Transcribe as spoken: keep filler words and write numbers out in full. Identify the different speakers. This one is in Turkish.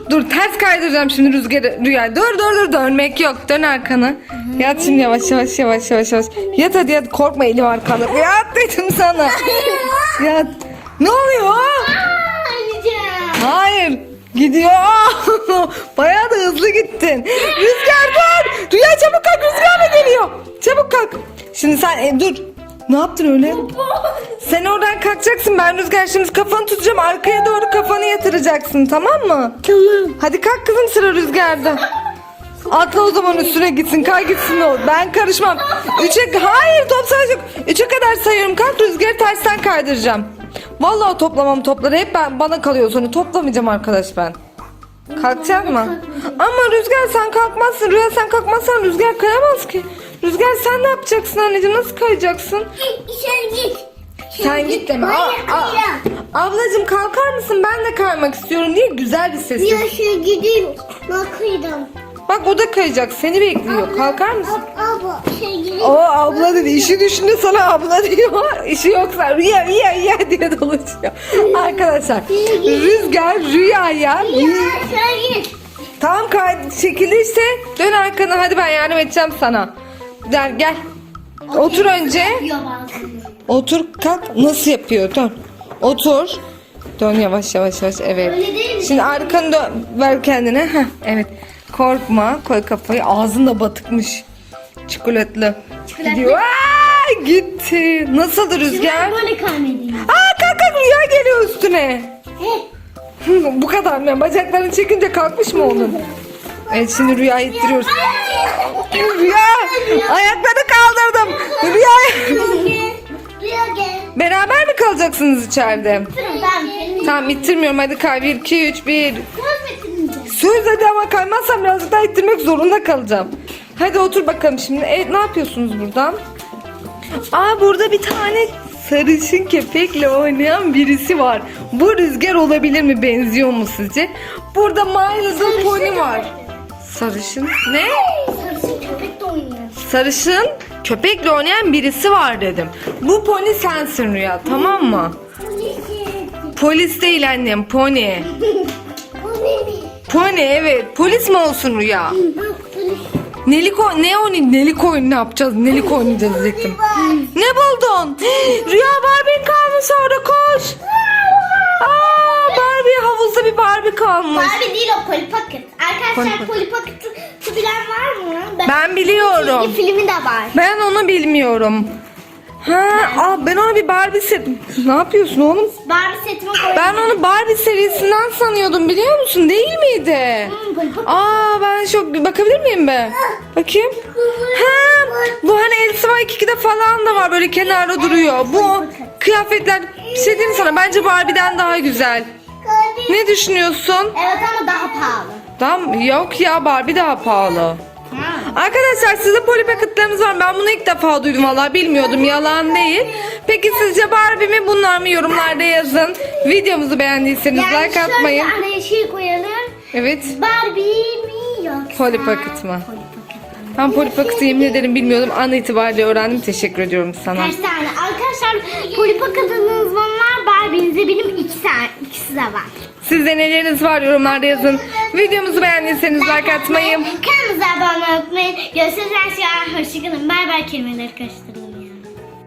Speaker 1: Dur ters kaydıracağım şimdi rüzgarı Rüya. Dur dur dur dönmek yok. Dön arkana. Yat şimdi yavaş yavaş yavaş yavaş yavaş. Yat hadi yat korkma elim arkanda. Yat dedim sana. Yat. Ne oluyor? Hayır. Gidiyor. Bayağı da hızlı gittin. Rüzgar dur. Rüya çabuk kalk rüzgar mı geliyor? Çabuk kalk. Şimdi sen e, dur. Ne yaptın öyle? Sen oradan kalkacaksın. Ben Rüzgar şimdi kafanı tutacağım. Arkaya doğru kafanı yatıracaksın. Tamam mı?
Speaker 2: Tamam.
Speaker 1: Hadi kalk kızım sıra Rüzgar'da. Atla o zaman üstüne gitsin. Kay gitsin o. Ben karışmam. Üçe... Hayır top sayacak. Üçe kadar sayıyorum. Kalk Rüzgar'ı tersten kaydıracağım. Vallahi toplamam topları. Hep ben, bana kalıyor sonra. Toplamayacağım arkadaş ben. Kalkacak mı? Ama Rüzgar sen kalkmazsın. Rüya sen kalkmazsan Rüzgar kayamaz ki. Rüzgar sen ne yapacaksın anneciğim? Nasıl kayacaksın?
Speaker 2: Sen git.
Speaker 1: Sen git deme. Aa, aa. Ablacığım kalkar mısın? Ben de kaymak istiyorum diye güzel bir ses.
Speaker 2: Ya şu gideyim. Bakıyorum.
Speaker 1: Bak o da kayacak. Seni bekliyor. Kalkar mısın?
Speaker 2: Abla şey gideyim.
Speaker 1: O abla dedi. İşi düşündü sana abla diyor. İşi yoksa rüya rüya rüya diye dolaşıyor. Arkadaşlar Rüzgar rüyaya.
Speaker 2: Ya sen git.
Speaker 1: Tamam kay çekildi işte. Dön arkana hadi ben yardım edeceğim sana. Gel gel. Otur önce. Otur kalk. Nasıl yapıyor? Dön. Otur. Dön yavaş yavaş yavaş. Evet.
Speaker 2: Öyle değil mi?
Speaker 1: Şimdi arkanı dön. Ver kendine. Heh, evet. Korkma. Koy kafayı. Ağzın da batıkmış. Çikolatlı.
Speaker 2: Çikolatlı.
Speaker 1: Gidiyor. Aa, gitti. Nasıldı Rüzgar?
Speaker 2: Böyle kaymedeyim.
Speaker 1: Aa kalk kalk Rüya geliyor üstüne.
Speaker 2: He.
Speaker 1: Bu kadar mı? Bacaklarını çekince kalkmış mı onun? Evet şimdi Rüya'yı ittiriyoruz. Rüya! Ayaklarını kaldırdım. Rüya!
Speaker 2: Rüya gel.
Speaker 1: Beraber mi kalacaksınız içeride?
Speaker 2: Ben
Speaker 1: Tamam ittirmiyorum hadi kay. bir, iki, üç, bir.
Speaker 2: Söz
Speaker 1: Söz hadi ama kaymazsam birazcık daha ittirmek zorunda kalacağım. Hadi otur bakalım şimdi. Evet ne yapıyorsunuz buradan? Aa burada bir tane sarışın köpekle oynayan birisi var. Bu Rüzgar olabilir mi? Benziyor mu sizce? Burada My Little Pony var. Sarışın ne?
Speaker 2: Sarışın köpek de oynuyor.
Speaker 1: Sarışın köpekle oynayan birisi var dedim. Bu pony sensin Rüya tamam mı? Polis değil annem pony. Pony evet polis mi olsun Rüya? Nelik o ne o nelik oyunu ne yapacağız? Nelik oynayacağız diyecektim. Ne buldun? Rüya Barbie kalmış orada koş. Aa Barbie havuzda bir Barbie kalmış.
Speaker 2: Barbie değil o Polly Pocket. Arkadaşlar Polly Pocket'ı bilen var mı?
Speaker 1: Ben biliyorum.
Speaker 2: Çizgi filmi de var.
Speaker 1: Ben onu bilmiyorum. Ha, aa, ben onu bir Barbie set. Ne yapıyorsun oğlum?
Speaker 2: Barbie setime koydum.
Speaker 1: Ben onu Barbie serisinden sanıyordum biliyor musun? Değil miydi?
Speaker 2: Hmm, Polly Pocket.
Speaker 1: Aa ben çok bakabilir miyim be? Bakayım. Ha, bu hani Elsa iki ikide falan da var böyle kenarda duruyor. Bu kıyafetler bir şey diyeyim mi sana bence Barbie'den daha güzel. Ne düşünüyorsun?
Speaker 2: Evet ama daha pahalı.
Speaker 1: Tamam yok ya Barbie daha pahalı. Arkadaşlar sizde Polly Pocket'larınız var. Ben bunu ilk defa duydum valla bilmiyordum yalan değil. Peki sizce Barbie mi bunlar mı yorumlarda yazın. Videomuzu beğendiyseniz
Speaker 2: Yani
Speaker 1: like atmayın.
Speaker 2: şöyle araya şey koyalım.
Speaker 1: Evet.
Speaker 2: Barbie mi yoksa?
Speaker 1: Polly Pocket mı?
Speaker 2: Polly Pocket mı?
Speaker 1: Ben Polly Pocket'ı yemin ederim bilmiyordum. An itibariyle öğrendim. Teşekkür ediyorum sana.
Speaker 2: Kaç tane? Arkadaşlar Polly Pocket'ınız var. Barbie'nize benim iki tane, ikisi de var.
Speaker 1: Sizde neleriniz var yorumlarda yazın. Videomuzu beğendiyseniz like atmayı.
Speaker 2: Kanalımıza abone olmayı. Görüşürüz. Hoşçakalın. Bay bay kelimeleri karıştı.